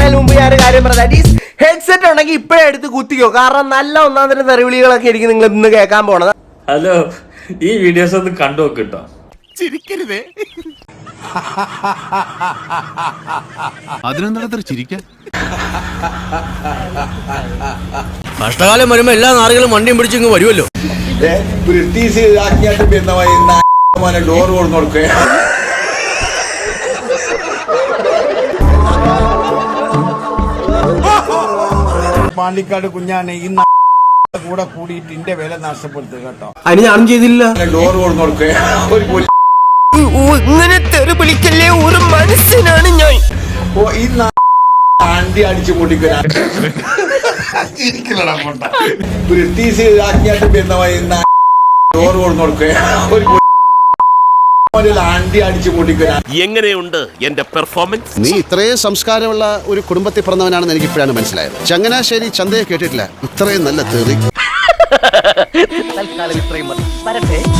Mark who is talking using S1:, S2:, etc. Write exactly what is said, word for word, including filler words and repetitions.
S1: പറയുന്നതിന് മുമ്പ് ഞാൻ കാര്യം പറയാം. ഹെഡ്സെറ്റ് ഉണ്ടെങ്കിൽ ഇപ്പോഴേ എടുത്ത് കുത്തിക്കോ, കാരണം നല്ല ഒന്നാം തരം തെറിവിളികളൊക്കെ ആയിരിക്കും നിങ്ങൾ ഇന്ന് കേൾക്കാൻ പോണത്.
S2: ഹലോ, ഈ വീഡിയോസ് ഒന്ന് കണ്ടു നോക്കിട്ടോ.
S3: ചിരിക്കരുതേ. അതിനെന്താ ചിരിക്കാൻ?
S4: കഷ്ടകാലം വരുമ്പോ എല്ലാ നാറുകളും വണ്ടിയും പിടിച്ചിങ്ങ് വരുമല്ലോ.
S5: ബ്രിട്ടീഷ് ആജ്ഞാട്ട് പിന്നെ ഡോർ കൊടുന്നു കൊടുക്കുക. പാണ്ടിക്കാട് കുഞ്ഞാനെ ഈ കൂടെ കൂടിയിട്ട് ഇന്റെ വില നഷ്ടപ്പെടുത്തുക കേട്ടോ.
S1: അതിന് ഞാനും ചെയ്തില്ല.
S5: ഡോർ കൊടുന്നു കൊടുക്കുക.
S1: ഇങ്ങനെ തെറി വിളിക്കല്ലേ, ഒരു മനുഷ്യനാണ് ഞാൻ.
S5: ഓ ഈ ആണ്ടി അടിച്ചു പൊട്ടിക്കുക. ബ്രിട്ടീഷ് ആജ്ഞാട്ട് പിന്നെ ഡോർ കൊടുന്നു കൊടുക്കുക. ആണ്ടി അടിച്ചു പൊട്ടിക്കുക.
S3: എങ്ങനെയുണ്ട് എന്റെ പെർഫോമൻസ്?
S6: നീ ഇത്രയും സംസ്കാരമുള്ള ഒരു കുടുംബത്തിൽ പിറന്നവനാണെന്ന് എനിക്ക് ഇപ്പോഴാണ് മനസ്സിലായത്. ചങ്ങനാശ്ശേരി ചന്തയെ കേട്ടിട്ടില്ല ഇത്രയും നല്ല തെറി.
S1: തൽക്കാലം ഇത്രയും മതി. വരട്ടെ.